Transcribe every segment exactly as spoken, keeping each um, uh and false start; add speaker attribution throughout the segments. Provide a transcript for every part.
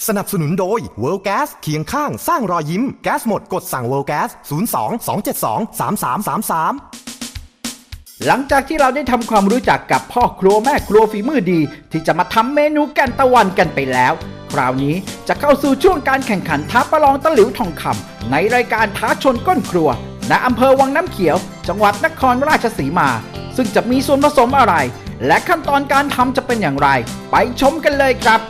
Speaker 1: สนับสนุนโดย World Gas เคียงข้างสร้างรอยยิ้มแก๊สหมดกดสั่ง World Gas ศูนย์ สอง สอง เจ็ด สอง สาม สาม สาม สาม
Speaker 2: หลังจากที่เราได้ทำความรู้จักกับพ่อครัวแม่ครัวฝีมือดีที่จะมาทำเมนูแกงตะวันกันไปแล้วคราวนี้จะเข้าสู่ช่วงการแข่งขันท้าประลองตะหลิวทองคำในรายการท้าชนก้นครัวณอำเภอวังน้ำเขียวจังหวัดนครราชสีมาซึ่งจะมีส่วนผสมอะไรและขั้นตอนการทำจะเป็นอย่างไรไปชมกันเลยครับ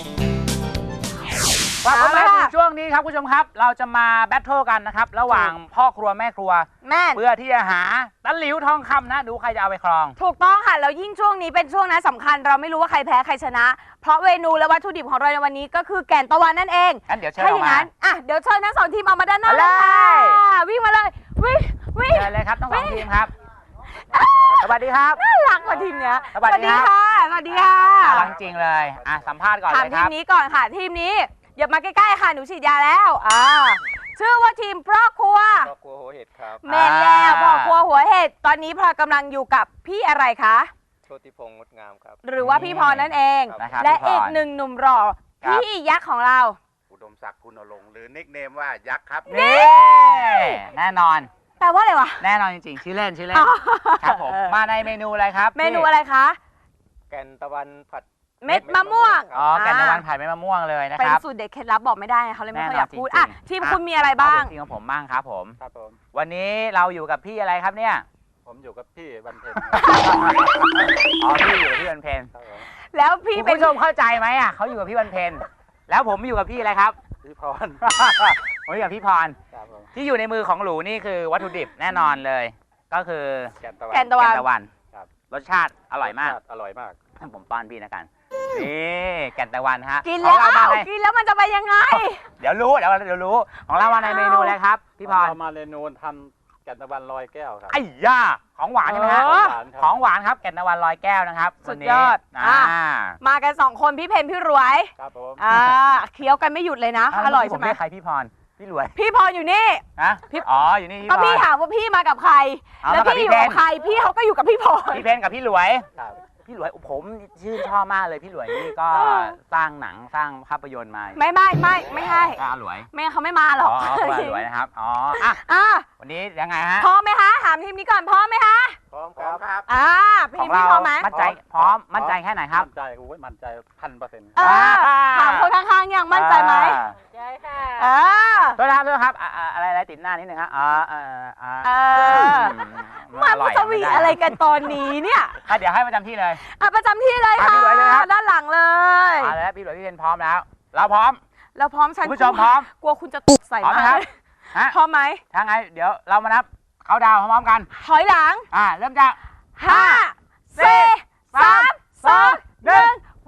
Speaker 3: กลับมาสู่ช่วงนี้ครับคุณผู้ชมครับเราจะมาแบทเทิลกันนะครับระหว่างพ่อครัวแม่ครัวแม่เพื่อที่จะหาตะหลิวทองคำนะดูใครจะเอาไปครอง
Speaker 4: ถูกต้องค่ะแล้วยิ่งช่วงนี้เป็นช่วงนั้นสำคัญเราไม่รู้ว่าใครแพ้ใครชนะเพราะเมนูและวัตถุดิบของเราในวันนี้ก็คือแกงตะวันนั่นเอง
Speaker 3: งั้นเดี๋ยวเชิญออกมา
Speaker 4: อ่ะเดี๋ยวเชิญทั้งสองทีมออกมาด้านหน้าเลยค่ะวิ่งมาเลยวิ่งวิ่ง
Speaker 3: เลยครับทั้งสองทีมครับสวัสดีครับ
Speaker 4: น่ารักกว่าทีมเนี้ย
Speaker 3: สวัสดี
Speaker 4: ค่ะสวัสดีค่ะ
Speaker 3: น่ารักจริงเลยอ่ะสัมภาษณ์ก่อนเลยครับ
Speaker 4: ถามทีมนี้ก่อนค่ะทีมนี้อย่ามาใกล้ๆค่ะหนูฉีดยาแล้วอ่าชื่อว่าทีมพ่อครัว
Speaker 5: พ่อครัวหัวเห็ดครับ
Speaker 4: แม่แล้วพ่อครัวหัวเห็ดตอนนี้พลอยกำลังอยู่กับพี่อะไรคะ
Speaker 5: โชติพงษ์งดงามครับ
Speaker 4: หรือว่าพี่พรนั่นเองและอีกหนึ่งหนุ่มหล่อพี่ยักษ์ของเรา
Speaker 5: อุดมศักดิ์คุณอลงหรือนิกเนมว่ายักษ์ครับ
Speaker 3: นี่แน่นอน
Speaker 4: แปลว่าอะไรวะ
Speaker 3: แน่นอนจริงๆชื่อเล่นชื่อเล่นครับผมมาในเมนูอะไรครับ
Speaker 4: เมนูอะไรคะ
Speaker 5: แกงตะวันผัด
Speaker 4: เม็ดมะม่วง
Speaker 3: อ๋อแกงตะวันผัดเม็ดมะม่วงเลยนะครับ
Speaker 4: เป็นสูตรเด็ดเคล็ดลับบอกไม่ได้เขาเลยไม่ค่อยอยากพูดอ่ะทีมคุณมีอะไรบ้าง
Speaker 3: ทีมของผมบ้างครับผม
Speaker 5: ครับผม
Speaker 3: วันนี้เราอยู่กับพี่อะไรครับเนี่ย
Speaker 5: ผมอยู่กับพี่วันเพ็ญ
Speaker 3: อ๋อพี่อยู่กับพี่วันเพ็ญ
Speaker 4: แล้วพี่
Speaker 3: คุณผู้ชมเข้าใจไหมอ่ะเขาอยู่กับพี่วันเพ็ญแล้วผมอยู่กับพี่อะไรครับ
Speaker 5: พี่พร
Speaker 3: ผมอยู่กับพี่พรที่อยู่ในมือของหลูนี่คือวัตถุดิบแน่นอนเลยก็คือ
Speaker 5: แกงตะวัน
Speaker 4: แกงตะ
Speaker 3: วันรสชาติอร่อยมาก
Speaker 5: อร่อยมาก
Speaker 3: ให้ผมป้อนพี่นะกันนี่แกงตะวันฮะ
Speaker 4: กินแล้วกินแล้วมันจะไปยังไง
Speaker 3: เดี๋ยวรู้เดี๋ยวเดี๋ยวรู้ของเรามาในเมนูอะไรครับพี่พร
Speaker 5: เรามาเมนูทำแกงตะวันลอยแก้วครับ
Speaker 3: ไอ้ย่าของหวานใช่ไหมฮะของหวานครับแกงตะวันลอยแก้วนะครับ
Speaker 4: สุดยอดมากันสองคนพี่เพนพี่รวย
Speaker 5: ครับผม
Speaker 4: อ่าเคี้ยวกันไม่หยุดเลยนะอร่อยใช่ไหม
Speaker 3: ใครพี่พรพี่รวย
Speaker 4: พี่พรอยู่นี่
Speaker 3: ฮะอ๋ออยู่นี่
Speaker 4: ก็พี่ถามว่าพี่มากับใครแล้วพี่อยู่กับใครพี่เขาก็อยู่กับพี่พร
Speaker 3: พี่เพนกับพี่รวยพี่หลวยผมชื่นชอบมากเลยพี่หลวยนี่ก็สร้างหนังสร้างภาพยนตร์มา
Speaker 4: ไม่ไม่ไม่ไม่ให้
Speaker 3: ก้าหลวย
Speaker 4: ไม่เขาไม่มาหรอก
Speaker 3: อ๋อหลวยนะครับอ๋ออ่ะวันนี้ยังไงฮะ
Speaker 4: พร้อมไหมคะถามทีมนี้ก่อนพร้อมไหมคะ
Speaker 5: พร้อมครับ
Speaker 4: อ่าพี่พี่พร้อมไหม
Speaker 3: มั่นใจพร้อมมั่นใจแค่ไหนครับ
Speaker 5: มั่นใจโอ้ยมั่นใจพันเปอร์เซ็นต์
Speaker 4: ถามคนข้างๆยังมั่นใจไหม
Speaker 5: ใช่ค่ะ
Speaker 4: อ่า
Speaker 3: ตัวนะครับตัวครับอะไรอะไรติดหน้านิดนึงครับอ่าอ่าอ่า
Speaker 4: มันจะมีอะไรกันตอนนี้เนี่ย
Speaker 3: เดี๋ยวให้ประจำที่เลย
Speaker 4: อ่ะประจำที่เลยค่ะด้านหลังเลย
Speaker 3: อ่าแล้วพี่หลวยพี่เพนพร้อมแล้วเราพร้อม
Speaker 4: เราพร้อมฉัน
Speaker 3: ผู้ชมพร้อม
Speaker 4: กลัวคุณจะตกใส่
Speaker 3: มาก
Speaker 4: พร้อมไหม
Speaker 3: ถ้าไงเดี๋ยวเรามานับเขาดาวพร้อมกัน
Speaker 4: ถอยหลัง
Speaker 3: อ่าเริ่มจาก
Speaker 4: ห้าสี่สามสองหนึ่งไป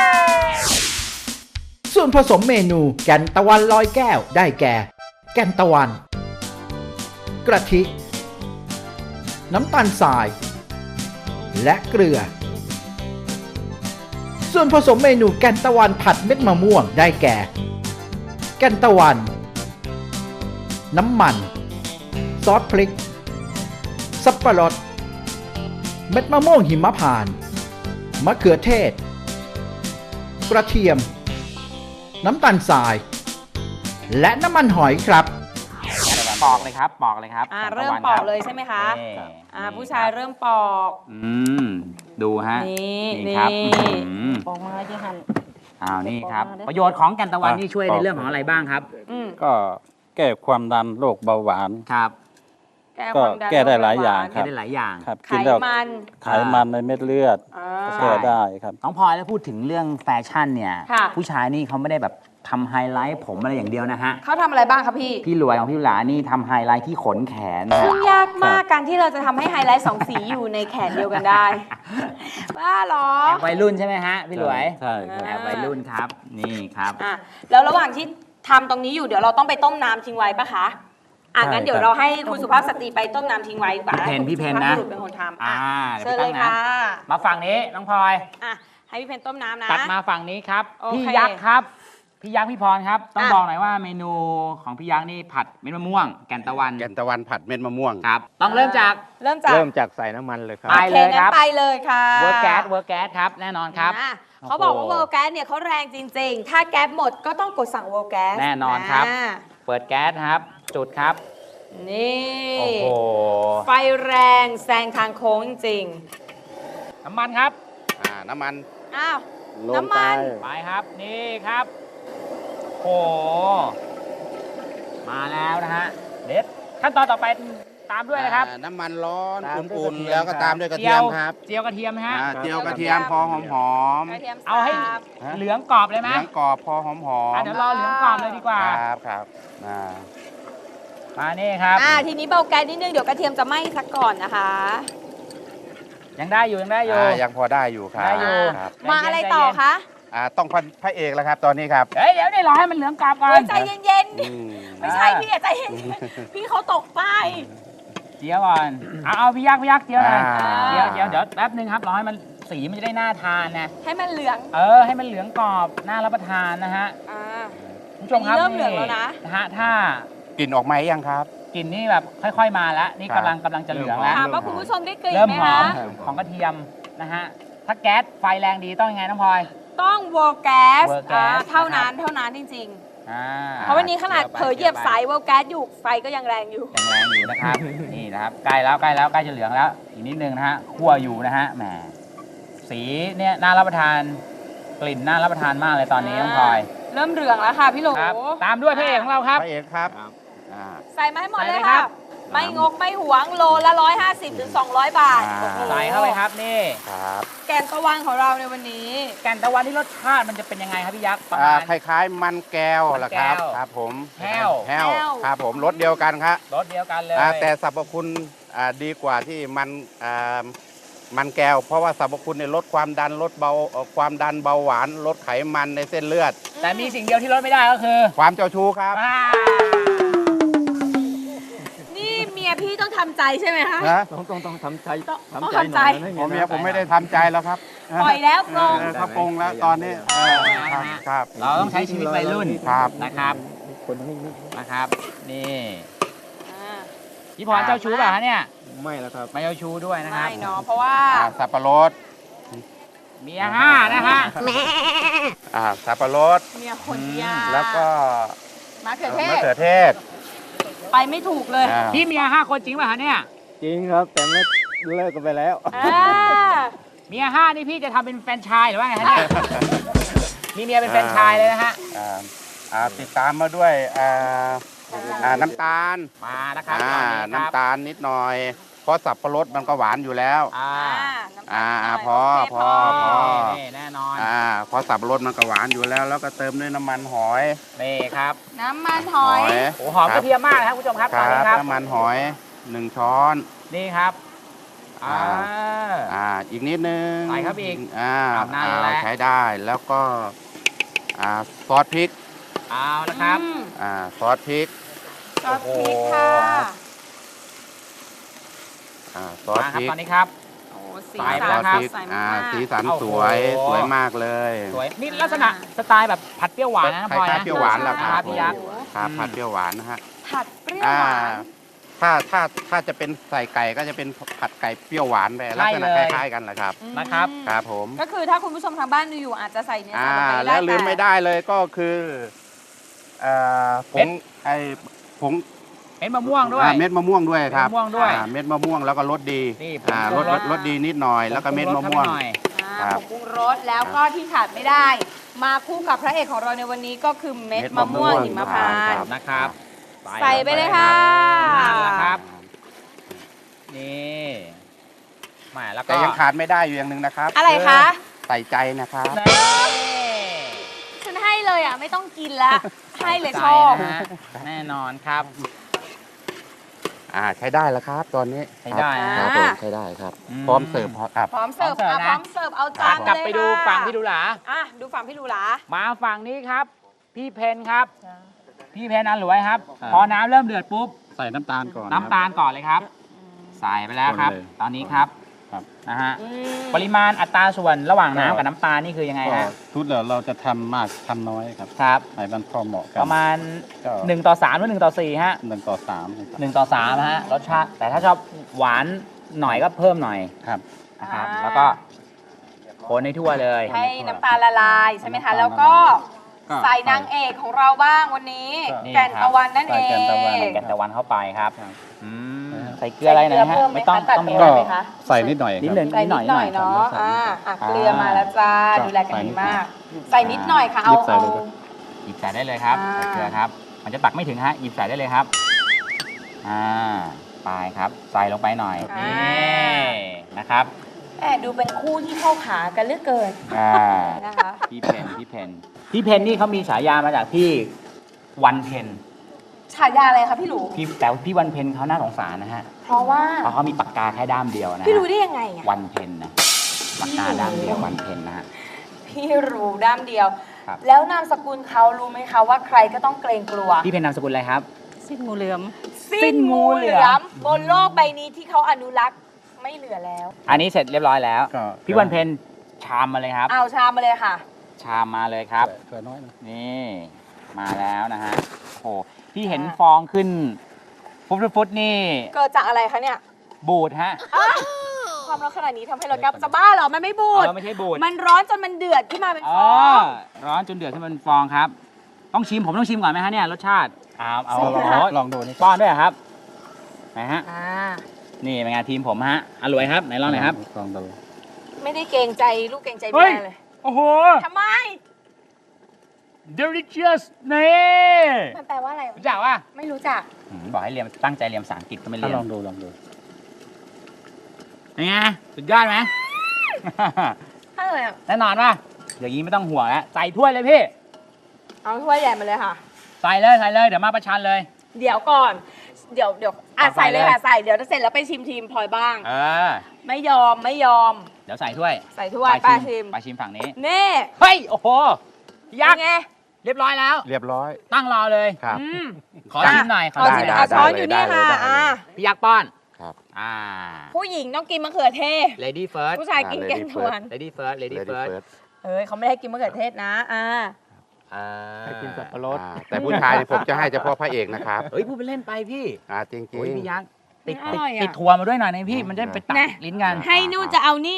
Speaker 2: ส่วนผสมเมนูแกงตะวันลอยแก้วได้แก่แกงตะวันกระทิน้ำตาลทรายและเกลือส่วนผสมเมนูแกงตะวันผัดเม็ดมะม่วงได้แก่แกงตะวันน้ำมันซอสพริกสับปะรดเม็ดมะม่วงหิมพานต์มะเขือเทศกระเทียมน้ำตาลทรายและน้ำมันหอยครับ
Speaker 3: ปอกเลยครับปอกเลยครับ
Speaker 4: อ่าเริ่มปอกเลยใช่ไหมคะอ่าผู้ชายเริ่มปอก
Speaker 3: อืมดูฮะ
Speaker 4: นี่
Speaker 3: นี่ครับ
Speaker 4: ปอกมาที่หั่น
Speaker 3: อ้าวนี่ครับประโยชน์ของแกงตะวันนี่ช่วยในเรื่องของอะไรบ้างครับ
Speaker 5: ก็แก้ความดันโรคเบาหวาน
Speaker 3: ครับ
Speaker 5: ก็แก้ได้หลายอย่างครับ
Speaker 3: แก้ได้หลายอย่าง
Speaker 5: ครับ
Speaker 4: ไขมัน
Speaker 5: ไขมันในเม็ดเลือดแก้ได้ครับ
Speaker 3: น้องพลอยแล้วพูดถึงเรื่องแฟชั่นเนี่ยผู้ชายนี่เขาไม่ได้แบบทำไฮไลท์ผมอะไรอย่างเดียวนะฮะ
Speaker 4: เขาทำอะไรบ้างครับพี่
Speaker 3: พี่รวยของพี่หลานี่ทำไฮไลท์ที่ขนแขน
Speaker 4: ซึ่งยากมากการที่เราจะทำให้ไฮไลท์สองสีอยู่ในแขนเดียวกันได้บ้าหรอ
Speaker 3: แอบวัยรุ่นใช่ไหมฮะพี่รวย
Speaker 5: ใช่
Speaker 3: แอบวัยรุ่นครับนี่ครับ
Speaker 4: อ่ะแล้วระหว่างที่ทำตรงนี้อยู่เดี๋ยวเราต้องไปต้มน้ำทิ้งไว้ปะคะอ่ะงั้นเดี๋ยวเราให้คุณสุภาพสตรีไปต้มน้ำทิ้งไว้ก่อน
Speaker 3: พี่เพนพี่เพนนะ
Speaker 4: เป็นคนทำ
Speaker 3: อ่า
Speaker 4: เชิญเลยค่ะ
Speaker 3: มาฝั่งนี้น้องพลอย
Speaker 4: อ่ะให้พี่เพนต้มน้ำนะ
Speaker 3: ตัดมาฝั่งนี้ครับพี่ยักษ์ครับพี่ยักษ์พี่พรครับต้องบอกหน่อยว่าเมนูของพี่ยักษ์นี่ผัดเม็ดมะม่วงแกงตะวัน
Speaker 5: แกงตะวันผัดเม็ดมะม่วง
Speaker 3: ครับต้องเริ่มจาก
Speaker 4: เริ่มจาก
Speaker 5: เริ่มจากใส่น้ำมันเลยครับ
Speaker 3: ไปเลยครับ
Speaker 4: ไปเลยค่ะ
Speaker 3: เวิร์กแก๊สเวิร์กแก๊สครับแน่นอนครับ
Speaker 4: เขาบอกว่าเวลแก๊สเนี่ยเขาแรงจริงๆ ถ้าแก๊สหมดก็ต้องกดสั่งเวลแก๊ส
Speaker 3: แน่นอนครับ
Speaker 4: า
Speaker 3: เปิดแก๊สครับ จุดครับ
Speaker 4: นี่
Speaker 3: โอ้โห
Speaker 4: ไฟแรงแซงทางโค้งจริง
Speaker 3: น้ำมันครับ
Speaker 6: อ่าน้ำมัน
Speaker 4: ๆอ้าว
Speaker 5: ลง
Speaker 4: น้ำมัน
Speaker 3: ไปครับ นี่ครับ โอ้โห มาแล้วนะฮะ เด็ด ขั้นตอนต่อไปตามด้วยนะครับ
Speaker 6: อ่าน้ำมันร้อน
Speaker 5: ตามด้วย
Speaker 6: อุ่น
Speaker 5: กระเทียม
Speaker 6: ๆแล้วก็ตามด้วยกระเทียมครับ
Speaker 3: เจียวกระเทียมนะฮะ
Speaker 6: อ่าเจียวกระเทียมพอหอมหอม
Speaker 4: กระเทียม
Speaker 3: เอาให้
Speaker 4: สับ
Speaker 3: เหลืองกรอบเลย
Speaker 6: ๆ
Speaker 3: ไหม
Speaker 6: เหลืองกรอบพอหอมหอม
Speaker 3: อ่ะเดี๋ยวรอเหลืองกรอบเลยดีกว่า
Speaker 6: ครับครับอ่า
Speaker 3: มานี่ครับ
Speaker 4: อ่าทีนี้เบาแก๊สนิดนึงเดี๋ยวกระเทียมจะไหม้ซะก่อนนะคะ
Speaker 3: ยังได้อยู่ยังได้อยู่
Speaker 6: อ่ายังพอได้อยู่ครับ
Speaker 3: ได้อยู่
Speaker 6: ครับ
Speaker 4: มาอะไรต่อคะ
Speaker 6: อ่าต้องพันพระเอกแล้วครับตอนนี้ครับ
Speaker 3: เฮ้ยเดี๋ยวนี่รอให้มันเหลืองกรอบก่อ
Speaker 4: เฮ้
Speaker 3: น
Speaker 4: ยใจเย็น
Speaker 6: อืม
Speaker 4: ๆ ไม่ใช่พี่อะใจเย็นๆพี่เขาตกป้าย
Speaker 3: เจียวก่อน เอาเอาพี่ยักษ์พี่ยักษ์เจียวหน่อย
Speaker 6: อ่า
Speaker 3: เจียวเจียวเดี๋ยวแป๊บนึงครับรอให้มันสีมันจะได้น่าทานนะ
Speaker 4: ให้มันเหลือง
Speaker 3: เออให้มันเหลืองกรอบน่ารับประทานนะฮะ
Speaker 4: อ่า
Speaker 3: คุณผู้ชมครับ
Speaker 4: เริ่มเหลืองแล้วนะ
Speaker 3: นะฮะถ้าก
Speaker 6: ลิ่นออกไหมยังครับ
Speaker 3: กลิ่นนี่แบบค่อยๆมาแล้วนี่
Speaker 6: ครับ
Speaker 3: กำลังกำลังจะเหลืองแล้ว
Speaker 4: ถามว่าคุณผู้ชมได้กลิ่น
Speaker 3: เริ่ม
Speaker 4: ไหม
Speaker 3: หอ
Speaker 4: คะ
Speaker 3: มของกระเทียมนะฮะถ้าแก๊สไฟแรงดีต้องยังไงน้องพลอย
Speaker 4: ต้องวอลแก๊ส
Speaker 3: World gas
Speaker 4: เท่านั้นเท่านั้นจริง
Speaker 3: อ่า
Speaker 4: ๆ เพราะวันนี้ขนาดเผลอเหยียบสายวอลแก๊สอยู่ไฟก็ยังแรงอยู่
Speaker 3: ยังแรงอยู่นะครับ นี่นะครับใกล้แล้วใกล้แล้วใกล้จะเหลืองแล้ว อีกนิดนึงนะฮะคั่วอยู่นะฮะแหมสีเนี่ยน่ารับประทานกลิ่นน่ารับประทานมากเลยตอนนี้น้องพลอย
Speaker 4: เริ่มเหลืองแล้วค่ะพี่โหล
Speaker 3: ครับตามด้วยพระเอกของเราครับ
Speaker 6: พระเอกครับอ่า
Speaker 4: ใส่มาให้หมด
Speaker 3: ใส่
Speaker 4: เล
Speaker 3: เลย ย
Speaker 4: ค่ะ
Speaker 3: ครับ
Speaker 4: ไม่งกไม่หวงโลละร้อยห้าสิบถึงสองร้อยบาท
Speaker 6: อ่า
Speaker 4: โอ้โห
Speaker 3: ใส่เข้าไปครับนี่
Speaker 6: ครับ
Speaker 4: แกงตะวันของเราในวันนี้
Speaker 3: แกนตะวันที่รสชาติมันจะเป็นยังไงครับพี่ยักษ์ประ
Speaker 6: อ่า
Speaker 3: มาณ
Speaker 6: คล้ายๆมันแก้วล่ะครับ
Speaker 3: มันแก้ว
Speaker 6: ครับผม
Speaker 3: แห้ว
Speaker 6: แห้ว
Speaker 4: แห้ว
Speaker 6: ครับผมรสเดียวกันครับ
Speaker 3: รสเดียวกันเลย
Speaker 6: อ่าแต่สรรพคุณอ่าดีกว่าที่มันอ่ามันแก้ว เพราะว่าสรรพคุณเนี่ยลดความดันลดเบาเอ่อความดันเบาหวานลดไขมันในเส้นเลือด
Speaker 3: แต่มีสิ่งเดียวที่ลดไม่ได้ก็คือ
Speaker 6: ความเจ้าชู้ครับ
Speaker 3: อ่า
Speaker 4: นี่เมียพี่ต้องทำใจใช่ไหมคะ
Speaker 6: นะ
Speaker 5: ต้องต้องต้องทำใจ
Speaker 4: ต้อง
Speaker 5: ทำ
Speaker 4: ต้อง
Speaker 5: ใจ
Speaker 4: ทำใจ
Speaker 5: หน่อยนะ
Speaker 6: ผมเมียผมไม่ได้ทำใจแล้วครับ
Speaker 4: ปล่อยแล้วปลง
Speaker 6: เออเขาปรงแล้วตอนนี้เออครับครับ
Speaker 3: เราต้องใช้ชีวิตวัยรุ่น
Speaker 6: ครับ
Speaker 3: นะครับ
Speaker 5: คนนิ่ง
Speaker 3: นะครับ นี่
Speaker 4: อ่า
Speaker 3: พี่พรเจ้าชู้เปล่าฮะเนี่ย
Speaker 5: ๆไม่แล้วครับ
Speaker 3: ไม่เจ้าชู้ด้วยนะครับ
Speaker 4: ไม่เนาะเพราะว่า
Speaker 6: อ่าสับปะรด
Speaker 3: เมียห้านะฮะ
Speaker 6: อ่าสับปะรด
Speaker 4: เมียคนยา
Speaker 6: แล้วก็
Speaker 4: มะเขือเท
Speaker 6: มะ
Speaker 4: ศ
Speaker 6: เขือเทศ
Speaker 4: ไปไม่ถูกเลย
Speaker 6: อ่า
Speaker 3: พี่เมียห้าคนจริงป่ะฮะเนี่ย
Speaker 5: จริงครับ แต่ไม่เลิกกันไปแล้ว
Speaker 4: อ่า
Speaker 3: เมียห้านี่พี่จะทำเป็นแฟรนไชายหรือว่าไงฮะเนี่ย มีเมียเป็นแฟรนไชายเลยนะฮะ
Speaker 6: อ่าอ่าติดตามมาด้วยอ่าอ่าน้ำตาล
Speaker 3: มานะครับ
Speaker 6: อ่า
Speaker 3: ตอนนี้ครับ
Speaker 6: น้ำตาลนิดหน่อย เพราะสับปะรดมันก็หวานอยู่แล้ว
Speaker 3: อ่า
Speaker 6: อ่า
Speaker 4: น้ำตาล
Speaker 6: พอ
Speaker 4: โเค
Speaker 6: พอพอ
Speaker 3: นี่แน่นอน
Speaker 6: อ่าเพราะสับปะรดมันก็หวานอยู่แล้ว แล้วก็เติมด้วยน้ำมันหอย
Speaker 3: นี่ครับ
Speaker 4: น้ำมันหอย
Speaker 3: โอ้หอมกระเทียมมากเลยครับคุณผู้ชมครับ
Speaker 6: ค
Speaker 3: ตอน
Speaker 6: รั
Speaker 3: นี้
Speaker 6: บ
Speaker 3: ครับ
Speaker 6: น้ำมันหอยหนึ่งช้อน
Speaker 3: นี่ครับอ่า
Speaker 6: อ่าอีกนิดนึง
Speaker 3: ใส่ครับอีก
Speaker 6: อ่า
Speaker 3: อาบน้ำ
Speaker 6: อ่า
Speaker 3: แล้ว
Speaker 6: ใช้ได้แล้วก็อ่าซอสพริก
Speaker 3: เอาละครับ
Speaker 4: อืม
Speaker 6: อ่าซอสพริก
Speaker 4: ซอสพริกค่ะ
Speaker 6: อ่าซอส
Speaker 3: มา
Speaker 6: พ
Speaker 3: ครับ
Speaker 6: ริก
Speaker 3: ตอนนี้ครับ
Speaker 4: โอ้สี
Speaker 3: ใส่
Speaker 4: สั
Speaker 3: ไป
Speaker 4: น
Speaker 3: แล้วครับ
Speaker 4: ใส่
Speaker 6: อ่าม
Speaker 4: าก
Speaker 6: สีสัน
Speaker 3: โอ้โห
Speaker 6: สวยสวยมากเลย
Speaker 3: สวยนี่ลักษณะสไตล์แบบผัดเปรี้ยวหวานนะ
Speaker 6: ค
Speaker 3: พลอย
Speaker 6: ล้าย
Speaker 3: นะ
Speaker 6: ๆเปรี้ยวหวานแหละครับ
Speaker 3: พี่ยักษ์
Speaker 6: ครับ
Speaker 3: อืม
Speaker 6: ผัดเปรี้ยวหวานนะฮะ
Speaker 4: ผัดเปรี้ยว
Speaker 6: อ่า
Speaker 4: หวาน
Speaker 6: ถ้าถ้าถ้าจะเป็นใส่ไก่ก็จะเป็นผัดไก่เปรี้ยวหวานไปลักษณะคล้ายๆกันแหละครับ
Speaker 3: นะครับ
Speaker 6: ครับผม
Speaker 4: ก็คือถ้าคุณผู้ชมทางบ้านดูอยู่อาจจะใส่เนื้อ
Speaker 6: อ่า
Speaker 4: สัตว์ลงไป
Speaker 6: แล้วลืม
Speaker 4: ต่
Speaker 6: ไม่ได้เลยก็คือเอ่อผงไอผง
Speaker 3: เม็ดมะม่วงด้วย
Speaker 6: อ่าเม็ดมะม่วงด้วยครับ
Speaker 3: เม็ดมะม่วงด้วย
Speaker 6: อ่าเม็ดมะม่วงแล้วก็รสดี
Speaker 3: นี่ผง
Speaker 6: อ่า
Speaker 3: ปรุ
Speaker 6: รง ส
Speaker 3: ร
Speaker 6: ร
Speaker 3: ส
Speaker 6: สรสดีนิดหน่อย แล้วก็เม็ดมะม่วง
Speaker 3: ผปรุรสเข้าไปหน่อย
Speaker 4: อ่า
Speaker 6: ครับ
Speaker 4: ผงปรุงรสแล้วก็ที่ขาดไม่ได้ มาคู่กับพระเอกของเราในวันนี้ก็คือเม็ดมะม่วงหิมพานต์
Speaker 3: นะครับ
Speaker 4: ใส่ไปเลยค่ะ
Speaker 3: นั่นแหละครับ นี่แหมแล้วก็
Speaker 6: แต่ยังขาดไม่ได้อยู่อย่างหนึ่งนะครับ
Speaker 4: อะไรคะ
Speaker 6: ใส่ใจนะครับ
Speaker 3: นี่
Speaker 4: ฉันให้เลยอ่ะไม่ต้องกินละให้เลยช
Speaker 3: ใจ
Speaker 4: อบ
Speaker 3: นะฮะแน่นอนครับ
Speaker 6: อ่าใช้ได้แล้วครับ ตอนนี้
Speaker 3: ใช้ได้นะ
Speaker 6: ครับผมใช้ได้ครับ
Speaker 3: อืม
Speaker 6: พร้อมเสิร์ฟครับ
Speaker 4: พร้อมเสิร์ฟ
Speaker 3: พร้อมเสิร์ฟ
Speaker 4: อ่ะ
Speaker 3: นะ
Speaker 4: พร้อมเสิร์ฟเอาจาน
Speaker 3: กลับ
Speaker 4: เลย
Speaker 3: ไปดู
Speaker 4: ค่ะ
Speaker 3: ฝั่งพี่ดูหลา
Speaker 4: อ่ะดูฝั่งพี่ดูหลา
Speaker 3: มาฝั่งนี้ครับ พี่เพนครับ พี่เพนอันหลวยครับ พอน้ำเริ่มเดือดปุ๊บ
Speaker 5: ใส่น้ำตาลก่อน
Speaker 3: น้ำตาลก่อนเลยครับ ใส่ไปแล้วครับ
Speaker 5: คนเลย
Speaker 3: ตอนนี้ครับ
Speaker 5: ครับ
Speaker 3: นะฮะ
Speaker 4: อืม
Speaker 3: ปริมาณอัตราส่วนระหว่างน้ำกับน้ำตาลนี่คือยังไง
Speaker 5: ก็
Speaker 3: ฮะ
Speaker 5: ทุกเดี๋ยวเราจะทำมากทำน้อยครับ
Speaker 3: ครับ
Speaker 5: ให้มันพอเหมาะกัน
Speaker 3: ประมาณ
Speaker 5: ก็
Speaker 3: หนึ่งต่อสามหรือหนึ่งต่อสี่ฮะ
Speaker 5: หนึ่งต่อสาม
Speaker 3: หนึ่งต่อสามฮะรสชาติแต่ถ้าชอบหวานหน่อยก็เพิ่มหน่อย
Speaker 5: ครับ
Speaker 3: นะครับ
Speaker 4: อ่า
Speaker 3: แล้วก็คนให้ทั่วเลย
Speaker 4: ให้น้ำตาลละลายใช่ไหมคะ แล้วก็
Speaker 5: ก็
Speaker 4: ใส่นางเอกของเราบ้างวันนี้
Speaker 3: นี่
Speaker 4: แก่นตะวันนั่นเอ
Speaker 5: ใส่แก่นตะวัน
Speaker 4: ง
Speaker 3: แกนตะวันเข้าไปครับ
Speaker 5: ครับ
Speaker 3: อืมใส่เกลืออะไรหน่อยนะฮะ
Speaker 4: ใส่เกลือเพิ่มไหม
Speaker 3: ไม่ต้อง
Speaker 4: คะตัด
Speaker 3: ต้องมี
Speaker 4: เกลื
Speaker 5: ก็
Speaker 4: ไหมคะ
Speaker 5: ใส่นิดหน่อย
Speaker 3: นิด
Speaker 5: ครับ
Speaker 3: หนึ่ง
Speaker 4: ใส่นิดหน่อยเนาะ
Speaker 5: ใส่
Speaker 4: อ่า
Speaker 5: นิดหน่อย
Speaker 4: อ่ะเกลือมาแล้วจ้า
Speaker 5: ครับ
Speaker 4: ดูแลกัน
Speaker 5: ใส่นิ
Speaker 4: ดี
Speaker 5: ดหน่อย
Speaker 4: มาก ใส่นิดหน่อยค่ะ เอา
Speaker 5: หยิบใส่
Speaker 4: เอา
Speaker 5: เลยครับ
Speaker 3: หยิบใส่ได้เลยครับ
Speaker 4: อ่า
Speaker 3: ใส่เกลือครับ มันจะตักไม่ถึงฮะหยิบใส่ได้เลยครับอ่าไปครับ ใส่ลงไปหน่อยนี่นะครับ
Speaker 4: แอบดูเป็นคู่ที่เข้าขากันเหลือเกิน
Speaker 3: อ่า
Speaker 4: นะคะ
Speaker 3: พี่เพนพี่เพนพี่เพนนี่เขามีฉายามาจากพี่วันเพน
Speaker 4: ฉายาอะไรคะพี่หลู
Speaker 3: พี่แต่ว่าพี่วันเพนเขาน่าสงสารนะฮะ
Speaker 4: เพราะว่า
Speaker 3: เพราะเขามีปากกาแค่ด้ามเดียวนะฮะ
Speaker 4: พี่รู้ได้ยังไงอ่ะ
Speaker 3: วันเพนนะปากกาด้ามเดียววันเพนนะฮะ
Speaker 4: พี่รู้ด้ามเดียว
Speaker 3: ครับ
Speaker 4: แล้วนามสกุลเขารู้ไหมคะว่าใครก็ต้องเกรงกลัว
Speaker 3: พี่เพนนามสกุลอะไรครับ
Speaker 7: สิ้นงูเหลือม
Speaker 4: สิ้นงูเหลือมบนโลกใบนี้ที่เขาอนุรักษ์ไม่เหลือแล้ว
Speaker 3: อันนี้เสร็จเรียบร้อยแล้ว
Speaker 5: ก็
Speaker 3: พี่วันเพนชามมาเลยครับ
Speaker 4: เอาชามมาเลยค่ะ
Speaker 3: ชามมาเลยครับ
Speaker 5: เกลือน้อยนะ
Speaker 3: นี่มาแล้วนะฮะโอ้โหที่เห็น
Speaker 4: อ่า
Speaker 3: ฟองขึ้น ฟุตฟุตๆนี่
Speaker 4: เกิดจากอะไรคะเนี่ย
Speaker 3: บูดฮะ
Speaker 4: ความร้อนขนาดนี้ทำให้เรากับจะบ้าเหรอ มันไม่บูด
Speaker 3: เออไม่ใช่บูด
Speaker 4: มันร้อนจนมันเดือดขึ้นมาเป็น
Speaker 3: อ๋
Speaker 4: ฟ
Speaker 3: อ
Speaker 4: อง
Speaker 3: ร้อนจนเดือดขึ้นมาเป็นฟองครับ ต้องชิมผมต้องชิมก่อนไหมฮะเนี่ยรสชาติเอาเอา
Speaker 4: ใช่
Speaker 3: ลอง
Speaker 4: ค่ะ
Speaker 5: ลองดูนี่
Speaker 3: ป้อนด้วยเหรอครับไหนฮะ
Speaker 4: อ่า
Speaker 3: นี่เป็นไงานทีมผมฮะอร่อยครับไหนลองหน่อยครับ
Speaker 5: ลองดู
Speaker 4: ไม่ได้เกรงใจลูกเกรงใจ
Speaker 3: เฮ้
Speaker 4: แม่
Speaker 3: ย
Speaker 4: เลย
Speaker 3: โอ้โห
Speaker 4: ทำไม
Speaker 3: delicious นี่
Speaker 4: มันแปลว่าอะไร
Speaker 3: รู้จักป่ะ
Speaker 4: ไม่รู้จัก
Speaker 3: อืมบอกให้เรียนตั้งใจเรียนภาษาอังกฤษก็ไม่
Speaker 5: ถ้า
Speaker 3: เรียน
Speaker 5: ลองดูลองดู
Speaker 3: เป็นไงสุดยอดไหม
Speaker 4: อะไรอ่ะ
Speaker 3: แน่นอนป่ะอย่างนี้ไม่ต้องห่วงแล้วใส่ถ้วยเลยพี่
Speaker 4: เอาถ้วยใหญ่มาเลยค่ะ
Speaker 3: ใส่เลยใส่เลยเดี๋ยวมาประชันเลย
Speaker 4: เดี๋ยวก่อน เดี๋ยวเดี๋ยวอ่ะ
Speaker 3: เอาใส่
Speaker 4: ใส่เลย
Speaker 3: เลย
Speaker 4: ค่ะใส่ เดี๋ยวจะเสร็จแล้วไปชิมทีมพลอยบ้าง
Speaker 3: เออ
Speaker 4: ไม่ยอมไม่ยอม
Speaker 3: เดี๋ยวใส่ถ้วย
Speaker 4: ใส่ถ้วยป้าชิม
Speaker 3: ไปชิมฝั่งนี้
Speaker 4: นี่
Speaker 3: เฮ้ย โอ้โหพี่ยักษ์
Speaker 4: เป็นไง
Speaker 3: เรียบร้อยแล้ว
Speaker 6: เรียบร้อย
Speaker 3: ตั้งรอเลย
Speaker 6: ครับ
Speaker 4: อืม
Speaker 3: ขอชิมหน่อย
Speaker 4: ขอชิม
Speaker 6: ได้
Speaker 4: เอา
Speaker 6: ได้
Speaker 4: ช้อน
Speaker 6: ได้
Speaker 4: อยู่นี่
Speaker 6: ได้
Speaker 4: ค่ะ
Speaker 6: ได้
Speaker 4: อ่ะ
Speaker 3: พี่ยักษ์ป้อน
Speaker 6: ครับ
Speaker 3: อ่า
Speaker 4: ผู้หญิงต้องกินมะเขือเทศ
Speaker 3: lady first
Speaker 4: ผู้ชายกินแกงทวน
Speaker 3: lady first lady
Speaker 6: Lady
Speaker 3: first
Speaker 6: first
Speaker 4: เอ้ยเขาไม่ให้กินมะเขือเทศนะ อ่า
Speaker 3: อ่า
Speaker 5: ให้กินสับปะรด
Speaker 6: อ่าแต่ผู้ชายนี่ผมจะให้เฉพาะพระเอกนะครับ
Speaker 3: เฮ้ยพูดไปเล่นไปพี่
Speaker 6: อ่าจริง
Speaker 3: โอ้ยพี่ยักษ์ติด
Speaker 4: อ
Speaker 3: ติด
Speaker 4: ร่อยอะ
Speaker 3: ติดทัวร์มาด้วยหน่อยนะพี่ มันจะไปตัด
Speaker 4: นะ
Speaker 3: ลิ้นกัน
Speaker 4: ให้นู่นจะเอานี่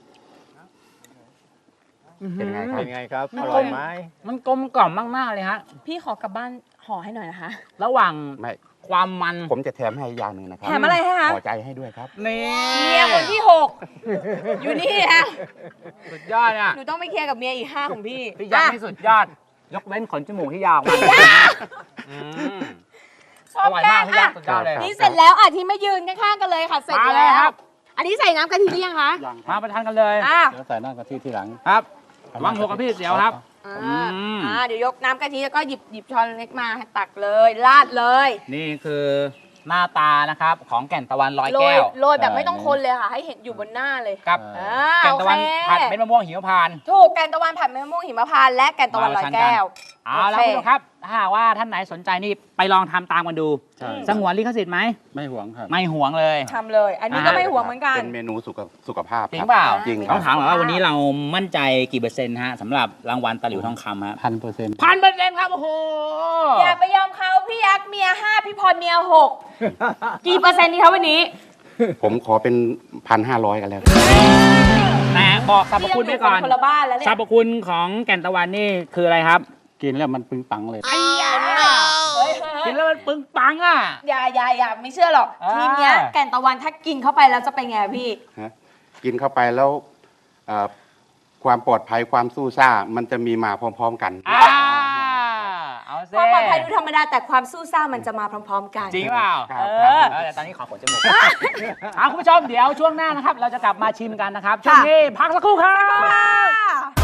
Speaker 6: ๆเป็นไงครับ
Speaker 5: เป็นไงครับ
Speaker 3: มัน
Speaker 5: อร่อยไหม
Speaker 3: มันกลมกล่อมมากๆเลยฮะ
Speaker 4: พี่ขอกลับบ้านห่อให้หน่อยนะคะ
Speaker 3: ระหว่าง
Speaker 6: ไม่
Speaker 3: ความมัน
Speaker 6: ผมจะแถมให้อย่างหนึ่งนะครั
Speaker 4: แถมอะไรให้คะ
Speaker 6: ขอใจให้ด้วยครับ
Speaker 3: นี่
Speaker 4: เมียคนที่หกอยู่นี่ฮะ
Speaker 3: สุดยอดอ่ะ
Speaker 4: หนูต้องไปเคลียร์กับเมียอีกห้าของพี่
Speaker 3: พี่ยักษ์
Speaker 4: อ่ะ
Speaker 3: นี่สุดยอด ยกเว้นขนจมูกที่ยาวมาอืม
Speaker 4: ชอบ
Speaker 3: อร่อย
Speaker 4: แก
Speaker 3: มาก
Speaker 4: ง
Speaker 3: พี่ยั
Speaker 4: อ่ะ
Speaker 3: กษ์สุดยอดเลย
Speaker 4: นี่เสร็จแล้วอ่ะที่ไม่ยืนข้างๆกันเลยค่ะ เสร็จ
Speaker 3: มาเลย
Speaker 4: แล้
Speaker 3: ครั
Speaker 4: ว
Speaker 3: บ
Speaker 4: อันนี้ใส่น้ำกะทิหรือยังคะ
Speaker 5: ยัง
Speaker 3: มาประทานกันเลย
Speaker 4: อ่ะ
Speaker 5: เดี๋ยวใส่น้ำกะทิทีหลัง
Speaker 3: ครับวางหัวกับพี่เสียวครับ
Speaker 4: อ่า
Speaker 3: อืม
Speaker 4: อ่าเดี๋ยวยกน้ำกะทิแล้วก็หยิบหยิบช้อนเล็กมาให้ตักเลยราดเลย
Speaker 3: นี่คือหน้าตานะครับของแก่นตะวันร้อย
Speaker 4: โร
Speaker 3: แก้
Speaker 4: ยว โรยแบบ
Speaker 5: ใช่
Speaker 4: ไม่ต้องคนเลยค่ะ ให้เห็นอยู่บนหน้าเลย
Speaker 3: กับ
Speaker 4: อ่า
Speaker 3: แก่น
Speaker 4: โอ
Speaker 3: ตะ
Speaker 4: เค
Speaker 3: วันผัดเม็ดมะม่วงหิมพานต์
Speaker 4: ถูกแกนตะวันผัดมะม่วงหิมพานต์และแกนตะวันลอยแก้ว
Speaker 3: เอาละ
Speaker 4: โอ
Speaker 3: คุณ
Speaker 4: เค
Speaker 3: ผู้ชมครับถ้าหากว่าท่านไหนสนใจนี่ไปลองทำตามกันดู
Speaker 5: ใช่
Speaker 3: สงวนลิขสิทธิ์ไหม
Speaker 5: ไม่หวงครับ
Speaker 3: ไม่หวงเลย
Speaker 4: ทำเลย อันนี้ก็ไม่ห่วงเหมือนกัน
Speaker 6: เป็นเมนูสุขสุขภาพ
Speaker 3: จริง
Speaker 6: คบ
Speaker 3: เปล่า
Speaker 6: จริงค
Speaker 3: ต้
Speaker 6: รั
Speaker 3: อบ งถามหน่อยว่าวันนี้เรามั่นใจกี่เปอร์เซ็นต์ฮะสำหรับรางวัลตะหลิวทองคำฮะ
Speaker 5: พันเปอร์เซ็นต์
Speaker 3: พันเปอร์เซ็นต์ครับโอ้โห
Speaker 4: อย่าไปยอมเขาพี่ยักษ์เมียห้าพี่พรเมียหกกี่เปอร์เซ็นต์ดีคะวันนี้
Speaker 6: ผมขอเป็นพันห้าร้อยกันแล้ว
Speaker 3: แต่บอกสรรพคุณไว้ก่อน
Speaker 4: พี่ยังยู่คนละบ้านแล้วเนี่
Speaker 3: สร
Speaker 4: ย
Speaker 3: รพคุณของแก่นตะวันนี่คืออะไรครับ
Speaker 5: กินแล้วมันปึงปังเลย
Speaker 4: เฮ้ยเฮ้ย
Speaker 3: กินแล้วมันปึงปังอ่ะ
Speaker 4: อย่าอย่าอย่าไม่เชื่อหรอก
Speaker 3: อ่า
Speaker 4: ทีมเนี้ยแก่นตะวันถ้ากินเข้าไปแล้วจะเป็นไงพี่
Speaker 6: ฮะกินเข้าไปแล้วเอ่อความปลอดภัยความสู้ซ่า มันจะมีมาพร้อม ๆ กัน
Speaker 3: อ่าเอา
Speaker 4: ค
Speaker 3: เซ่
Speaker 4: วามปลอดภัยดูธรรมดาแต่ความสู้ซ่ามันจะมาพร้อม ๆ กัน
Speaker 3: จริงเปล่า
Speaker 6: ครับ
Speaker 3: เออเออแต่ตอนนี้ขอขนจมูกเอาคุณผู้ชมเดี๋ยวช่วงหน้านะครับ เราจะกลับมาชิมกันนะครับ ช่วงนี้พักสักครู่ครับ
Speaker 4: ค่ะ